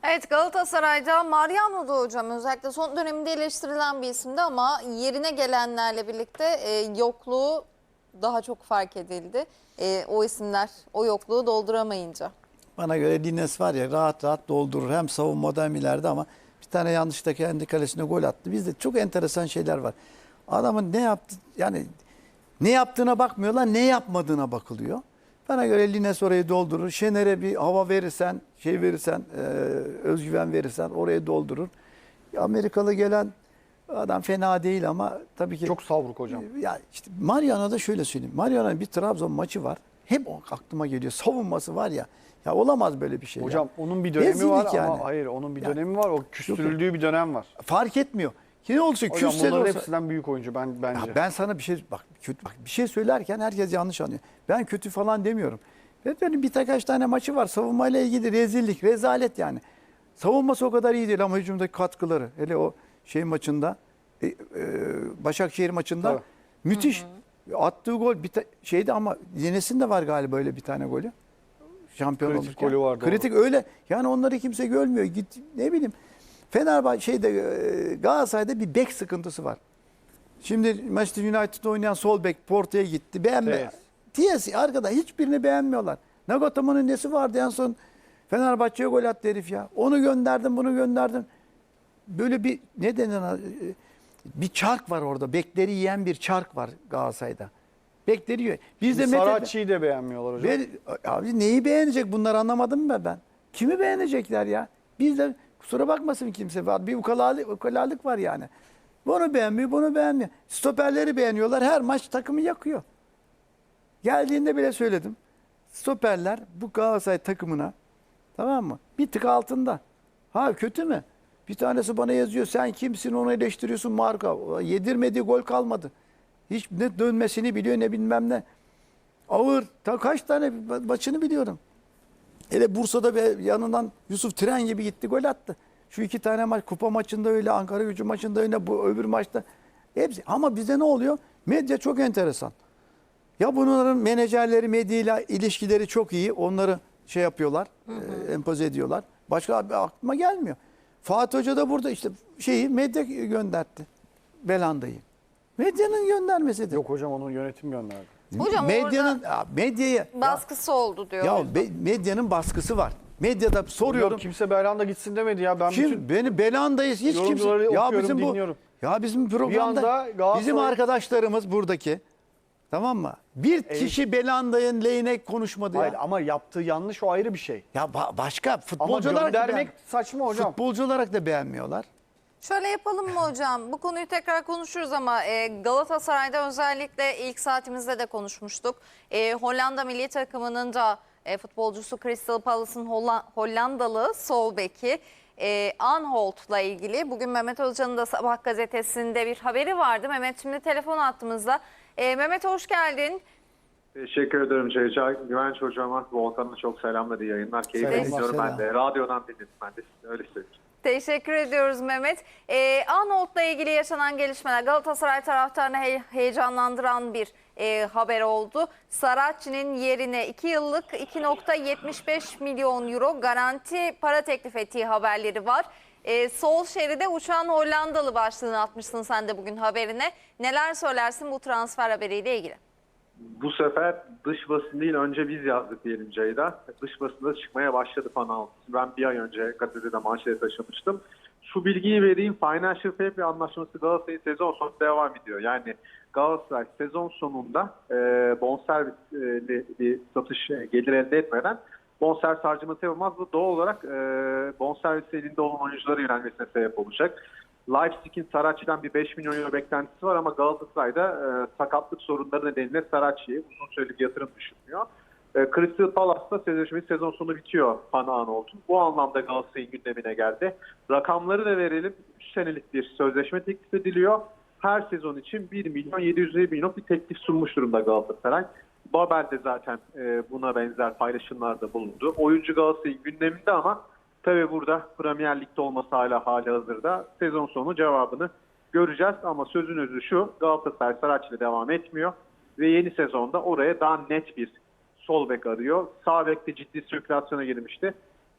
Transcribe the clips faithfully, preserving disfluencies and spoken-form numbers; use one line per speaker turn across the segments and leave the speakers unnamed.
Evet, Galatasaray'da Mariano'da hocam özellikle son döneminde eleştirilen bir isimdi ama yerine gelenlerle birlikte e, yokluğu daha çok fark edildi. E, o isimler o yokluğu dolduramayınca.
Bana göre Lines var ya rahat rahat doldurur. Hem savunmada hem ileride ama bir tane yanlışta kendi kalesine gol attı. Bizde çok enteresan şeyler var. Adamın ne yaptı yani ne yaptığına bakmıyorlar, ne yapmadığına bakılıyor. Bana göre Lines orayı doldurur. Şener'e bir hava verirsen, şey verirsen, e, özgüven verirsen orayı doldurur. Amerikalı gelen adam fena değil ama tabii ki
Çok savruk hocam.
ya işte Mariano'da şöyle söyleyeyim. Mariano'nun bir Trabzon maçı var. Hep o aklıma geliyor. Savunması var ya. Ya olamaz böyle bir şey.
Hocam
ya.
onun bir dönemi
Rezillik
var
yani.
ama hayır onun bir
Ya,
dönemi var. O küstürüldüğü bir dönem var.
Fark etmiyor. Ki ne olursa
Hocam
küsse de
bunların
olsa.
hepsinden büyük oyuncu ben bence.
Ya ben sana bir şey bak, kötü, bak bir şey söylerken herkes yanlış anlıyor. Ben kötü falan demiyorum. Ve böyle bir kaç tane maçı var. Savunmayla ilgili rezillik, rezalet yani. Savunması o kadar iyi değil ama hücumdaki katkıları. Hele o şey maçında, e, e, Başakşehir maçında
Tabii.
müthiş. Attığı gol bir ta- şeydi ama Yenes'in de var galiba öyle bir tane golü. Şampiyon
Kritik
olurken.
golü var, doğru.
Kritik öyle. Yani onları kimse görmüyor. Git ne bileyim. Fenerbahçe şeyde e, Galatasaray'da bir bek sıkıntısı var. Şimdi Manchester United'da oynayan sol bek Porto'ya gitti. Beğenme. T S arkada hiçbirini beğenmiyorlar. Nagatomo'nun nesi vardı en son Fenerbahçe'ye gol attı herif ya. Onu gönderdim, bunu gönderdim. Böyle bir ne denen bir çark var orada. Bekleri yiyen bir çark var Galatasaray'da. Bekleri yiyor. Biz de
Saracchi'yi de beğenmiyorlar hocam.
ben, abi neyi beğenecek bunlar anlamadım mı ben? Kimi beğenecekler ya? Biz de kusura bakmasın kimse var. Bir ukalalık, ukalalık var yani. Bunu beğenmiyor, bunu beğenmiyor. Stoperleri beğeniyorlar. Her maç takımı yakıyor. Geldiğinde bile söyledim. Stoperler bu Galatasaray takımına tamam mı? Bir tık altında. Ha kötü mü? Bir tanesi bana yazıyor. Sen kimsin onu eleştiriyorsun marka. Yedirmediği gol kalmadı. Hiç ne dönmesini biliyor ne bilmem ne. Ağır. Ta kaç tane maçını biliyorum. Hele Bursa'da bir yanından Yusuf Tren gibi gitti gol attı. Şu iki tane maç kupa maçında öyle, Ankara Gücü maçında öyle, bu öbür maçta hepsi. Ama bize ne oluyor? Medya çok enteresan. Ya bunların menajerleri medyayla ilişkileri çok iyi. Onları şey yapıyorlar, hı hı. E, empoze ediyorlar. Başka abi aklıma gelmiyor. Fatih Hoca da burada işte şeyi medya gönderdi. Belanda'yı. Medyanın göndermesidir.
Yok hocam onun yönetim gönderdi.
Hocam
medyanın
orada
medyayı
baskısı
ya,
oldu diyor.
Ya be, medyanın baskısı var. Medyada soruyorum.
Hocam kimse Belhanda gitsin demedi ya. Ben
Kim
bütün
beni Belanda'yız hiç kimse.
yorumcuları
Ya
okuyorum,
bizim bu
dinliyorum.
ya bizim
Bir
programda
anda Galatasaray-
bizim arkadaşlarımız buradaki tamam mı? Bir
Evet.
kişi Belanda'nın lehine konuşmadı
Hayır
ya.
ama yaptığı yanlış o ayrı bir şey.
Ya ba- başka
Ama
futbolcu olarak da
göndermek
beğen-
saçma hocam.
futbolcu olarak da beğenmiyorlar.
Şöyle yapalım mı hocam? Bu konuyu tekrar konuşuruz ama e, Galatasaray'da özellikle ilk saatimizde de konuşmuştuk. E, Hollanda milli takımının da e, futbolcusu Crystal Palace'ın Holla- Hollandalı sol beki e, Anholt'la ilgili. Bugün Mehmet Hoca'nın da Sabah gazetesinde bir haberi vardı. Mehmet şimdi telefon attığımızda. E, Mehmet hoş geldin.
Teşekkür ederim Ceyca. Güvenç hocama, Volkan'a çok selamlar, iyi yayınlar. Keyifle
Selam,
dinliyorum
selam.
ben de. Radyodan dinledim ben de. Öyle söyleyeyim.
Teşekkür ediyoruz Mehmet. Ee, Arnold'la ilgili yaşanan gelişmeler Galatasaray taraftarını he- heyecanlandıran bir e, haber oldu. Saracchi'nin yerine iki yıllık iki virgül yetmiş beş milyon euro garanti para teklif ettiği haberleri var. E, sol şeride uçan Hollandalı başlığını atmışsın sen de bugün haberine. Neler söylersin bu transfer haberiyle ilgili?
Bu sefer dış basın değil, önce biz yazdık diyelim Ceyda. Dış basında çıkmaya başladı falan. Ben bir ay önce gazetede manşete taşımıştım. Şu bilgiyi vereyim. Financial Fair Play anlaşması Galatasaray'ın sezon sonu devam ediyor. Yani Galatasaray sezon sonunda e, bonservisli bir satış e, gelir elde etmeden bonservis harcaması yapamaz. Bu doğal olarak e, bonservis elinde olan oyunculara yönelmesine sebep olacak. Leipzig'in Saracchi'den bir beş milyon euro beklentisi var ama Galatasaray'da e, sakatlık sorunları nedeniyle Saracchi'ye uzun süreli bir yatırım düşünmüyor. E, Crystal Palace'da sözleşmesi sezon sonu bitiyor Panağan oldu. Bu anlamda Galatasaray'ın gündemine geldi. Rakamları da verelim. üç senelik bir sözleşme teklif ediliyor. Her sezon için bir milyon yedi yüz elli milyon bir teklif sunmuş durumda Galatasaray. Babel de zaten e, buna benzer paylaşımlarda bulundu. Oyuncu Galatasaray'ın gündeminde ama tabii burada Premier Lig'de olması hala hali hazırda. Sezon sonu cevabını göreceğiz ama sözün özü şu: Galatasaray Saracchi ile devam etmiyor ve yeni sezonda oraya daha net bir sol bek arıyor. Sağ bekte ciddi sirkülasyona girmişti.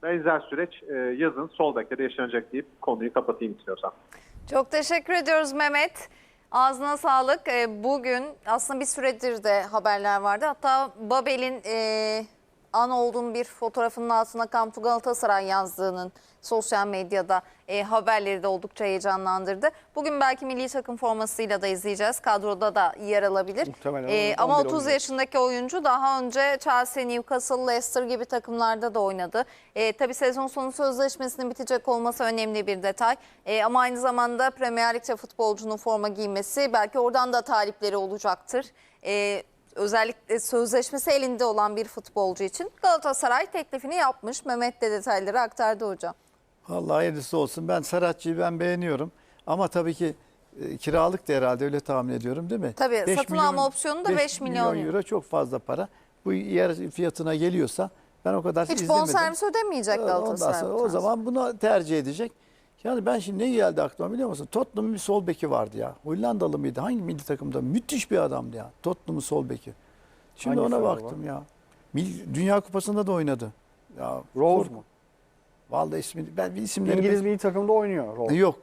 benzer süreç e, yazın sol bekte de yaşanacak deyip konuyu kapatayım istiyorsan.
Çok teşekkür ediyoruz Mehmet. Ağzına sağlık. Ee, Bugün aslında bir süredir de haberler vardı. Hatta Babel'in e, an olduğum bir fotoğrafının altına Come to Galatasaray yazdığının sosyal medyada e, haberleri de oldukça heyecanlandırdı. Bugün belki milli takım formasıyla da izleyeceğiz. Kadroda da yer alabilir.
Muhtemelen
E,
on-
ama
on bir
otuz
oynayacak.
yaşındaki oyuncu daha önce Chelsea, Newcastle, Leicester gibi takımlarda da oynadı. E, tabii sezon sonu sözleşmesinin bitecek olması önemli bir detay. E, ama aynı zamanda Premier Lig'de futbolcunun forma giymesi belki oradan da talipleri olacaktır. E, özellikle sözleşmesi elinde olan bir futbolcu için Galatasaray teklifini yapmış. Mehmet de detayları aktardı hocam.
Vallahi hayırlısı olsun. Ben Saratçı'yı ben beğeniyorum. Ama tabii ki e, kiralık da herhalde öyle tahmin ediyorum değil mi?
Tabii,
beş
satın alma opsiyonu da beş milyon euro.
euro çok fazla para. Bu yer fiyatına geliyorsa ben o kadar
Hiç
izlemedim.
bonservis ödemeyecek
Ondan
Galatasaray.
sonra
bu
o
transfer.
zaman bunu tercih edecek. Yani ben şimdi ne geldi aklıma biliyor musun? Tottenham'ın bir sol beki vardı ya. Hollandalı mıydı? Hangi milli takımda? Müthiş bir adamdı ya. Tottenham'ın sol beki. Şimdi
Hangisi
ona
acaba?
baktım ya. Mil- Dünya Kupası'nda da oynadı. Ya
Rose
kork-
mu?
Vallahi ismi ben bir isimleri
İngiliz
pek-
milli takımda oynuyor Rose.
Yok.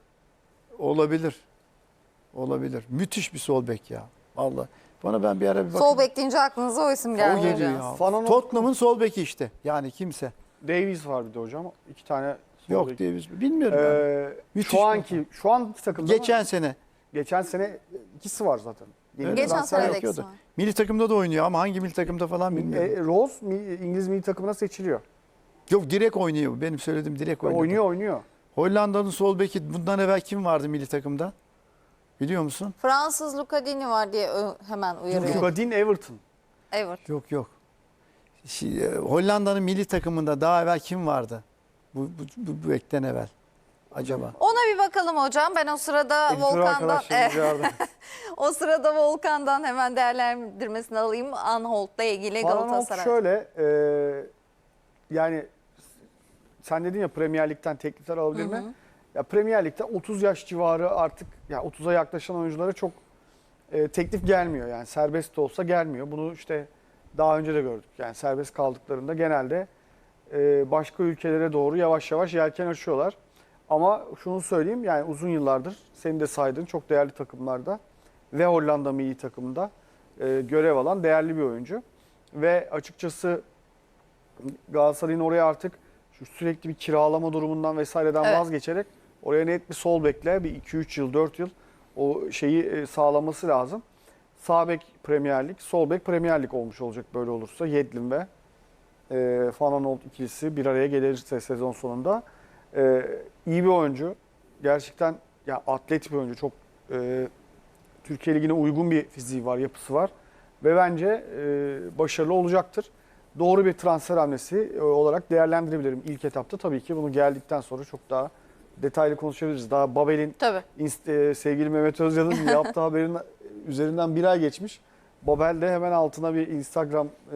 Olabilir. Olabilir. Müthiş bir sol bek ya. Vallahi. Bana ben bir ara bir bakayım.
Sol bek deyince aklınıza o isim
O
geldi
geliyor
hocam.
ya.
Fanan-
Tottenham'ın sol beki işte. Yani kimse.
Davies var bir de hocam. İki tane sol
Yok
bek.
diye biz bilmiyorum ben.
Ee,
Müthiş
şu
bir
anki şu anki takımda
Geçen
mı?
sene.
geçen sene ikisi var zaten. Yeni
Öyle
Geçen
transfer
sene
yok.
de
yapıyordu.
ikisi var.
Milli takımda da oynuyor ama hangi milli takımda falan bilmiyorum.
E, Rose mi- İngiliz milli takımına seçiliyor.
Yok direkt oynuyor. Benim söylediğim direkt oynuyor.
Oynuyor oynuyor.
Hollanda'nın sol beki bundan evvel kim vardı milli takımda? Biliyor musun?
Fransız Lucadini var diye ö- hemen uyarıyor.
Lugadin Everton.
Evet.
Yok yok. Şi- e, Hollanda'nın milli takımında daha evvel kim vardı? Bu, bu, bu, bu bekten evvel. Acaba?
Ona bir bakalım hocam. Ben o sırada
Editör
Volkan'dan
arkadaşlarımız yardım.
o sırada Volkan'dan hemen değerlendirmesini alayım. Anholt'la ilgili
Van Aanholt
Galatasaray.
şöyle e, yani sen dedin ya Premier Lig'den teklifler alabilir mi? Ya Premier Lig'de otuz yaş civarı artık ya otuza yaklaşan oyunculara çok e, teklif gelmiyor. Yani serbest de olsa gelmiyor. Bunu işte daha önce de gördük. Yani serbest kaldıklarında genelde e, başka ülkelere doğru yavaş yavaş yelken açıyorlar. Ama şunu söyleyeyim yani uzun yıllardır senin de saydığın çok değerli takımlarda ve Hollanda milli takımında e, görev alan değerli bir oyuncu. Ve açıkçası Galatasaray'ın oraya artık şu sürekli bir kiralama durumundan vesaireden
Evet.
vazgeçerek oraya net bir sol bekle bir iki üç yıl dört yıl o şeyi e, sağlaması lazım. Sağ bek Premier Lig, sol bek Premier Lig olmuş olacak böyle olursa. Yedlin ve e, Van Aanholt ikilisi bir araya gelirse sezon sonunda. E, iyi bir oyuncu. Gerçekten ya atlet bir oyuncu. Çok e, Türkiye Ligi'ne uygun bir fiziği var, yapısı var. Ve bence e, başarılı olacaktır. Doğru bir transfer hamlesi e, olarak değerlendirebilirim ilk etapta. Tabii ki bunu geldikten sonra çok daha detaylı konuşabiliriz. Daha Babel'in
Tabii.
inst- e, sevgili Mehmet Özyal'ın yaptığı haberin üzerinden bir ay geçmiş. Babel de hemen altına bir Instagram e,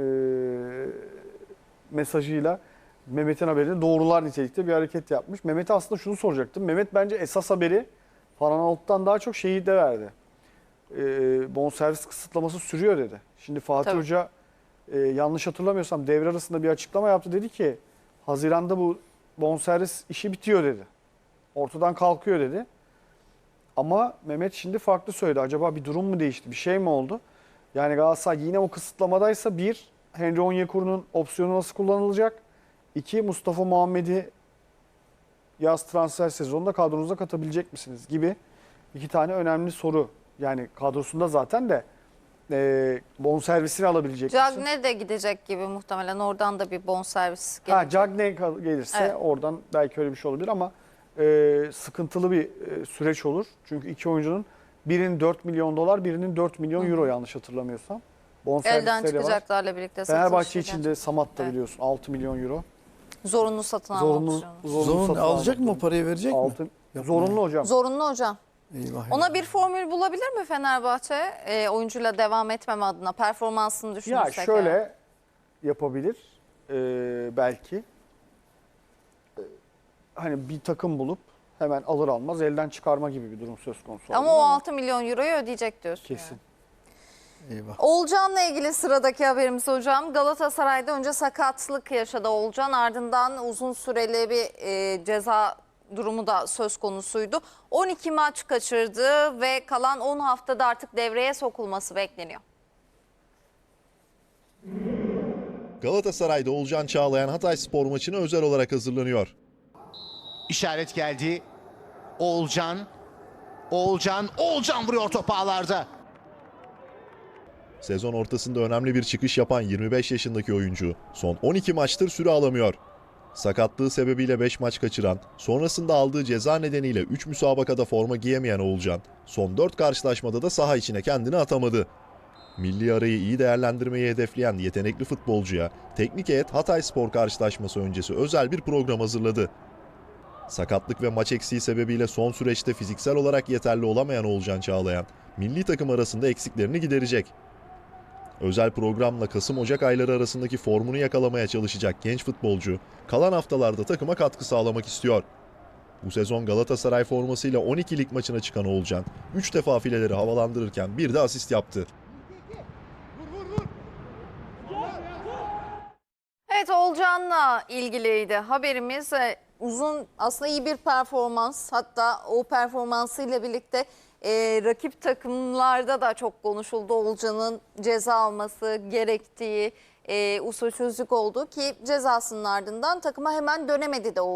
mesajıyla Mehmet'in haberini doğrular nitelikte bir hareket yapmış. Mehmet'e aslında şunu soracaktım. Mehmet bence esas haberi Van Aanholt'tan daha çok şeyi de verdi. E, bonservis kısıtlaması sürüyor dedi. Şimdi Fatih
Tabii.
Hoca e, yanlış hatırlamıyorsam devre arasında bir açıklama yaptı. Dedi ki Haziran'da bu bonservis işi bitiyor dedi. Ortadan kalkıyor dedi. Ama Mehmet şimdi farklı söyledi. Acaba bir durum mu değişti? Bir şey mi oldu? Yani Galatasaray yine o kısıtlamadaysa bir, Henry Onyekuru'nun opsiyonu nasıl kullanılacak? İki, Mustafa Muhammed'i yaz transfer sezonunda kadronuza katabilecek misiniz? Gibi iki tane önemli soru. Yani kadrosunda zaten de e, bonservisini alabilecek misin?
Cagne de gidecek gibi muhtemelen. Oradan da bir bonservis
Ha,
gelecek.
Cagney kal- gelirse
Evet.
oradan belki öyle bir şey olabilir ama e, sıkıntılı bir e, süreç olur. Çünkü iki oyuncunun birinin dört milyon dolar, birinin dört milyon euro yanlış hatırlamıyorsam.
Elden
Bonservisleri var.
çıkacaklarla birlikte satılış
Fenerbahçe için
gelecek.
de Samat da
Evet.
biliyorsun altı milyon euro.
Zorunlu satın alma
Zorunlu,
opsiyonu.
zorunlu
Zorun
satın
alacak
alma.
mı o parayı verecek mi?
Altı-
Yapma
zorunlu hocam.
Zorunlu hocam.
Eyvah.
Ona
eyvah.
bir formül bulabilir mi Fenerbahçe? E, oyuncuyla devam etmeme adına performansını
Ya
düşünürsek.
şöyle
eğer.
yapabilir e, belki. E, hani bir takım bulup hemen alır almaz elden çıkarma gibi bir durum söz konusu.
Ama
olabilir
o altı milyon euroyu ödeyecek diyorsun.
kesin.
yani.
Eyvah.
Oğulcan'la ilgili sıradaki haberimiz hocam. Galatasaray'da önce sakatlık yaşadı Oğulcan, ardından uzun süreli bir e, ceza durumu da söz konusuydu. on iki maç kaçırdı ve kalan on haftada artık devreye sokulması bekleniyor.
Galatasaray'da Oğulcan Çağlayan Hatayspor maçına özel olarak hazırlanıyor.
İşaret geldi. Oğulcan. Oğulcan. Oğulcan vuruyor top ağlarda.
Sezon ortasında önemli bir çıkış yapan yirmi beş yaşındaki oyuncu son on iki maçtır süre alamıyor. Sakatlığı sebebiyle beş maç kaçıran, sonrasında aldığı ceza nedeniyle üç müsabakada forma giyemeyen Oğulcan, son dört karşılaşmada da saha içine kendini atamadı. Milli arayı iyi değerlendirmeyi hedefleyen yetenekli futbolcuya teknik heyet Hatayspor karşılaşması öncesi özel bir program hazırladı. Sakatlık ve maç eksiği sebebiyle son süreçte fiziksel olarak yeterli olamayan Oğulcan Çağlayan, milli takım arasında eksiklerini giderecek. Özel programla Kasım-Ocak ayları arasındaki formunu yakalamaya çalışacak genç futbolcu, kalan haftalarda takıma katkı sağlamak istiyor. Bu sezon Galatasaray formasıyla on iki lig maçına çıkan Oğulcan, üç defa fileleri havalandırırken bir de asist yaptı.
Evet, Oğulcan'la ilgiliydi haberimiz. Ee, Uzun, aslında iyi bir performans, hatta o performansıyla birlikte e, rakip takımlarda da çok konuşuldu. Oğulcan'ın ceza alması gerektiği, e, usulsüzlük oldu ki cezasının ardından takıma hemen dönemedi de Oğulcan.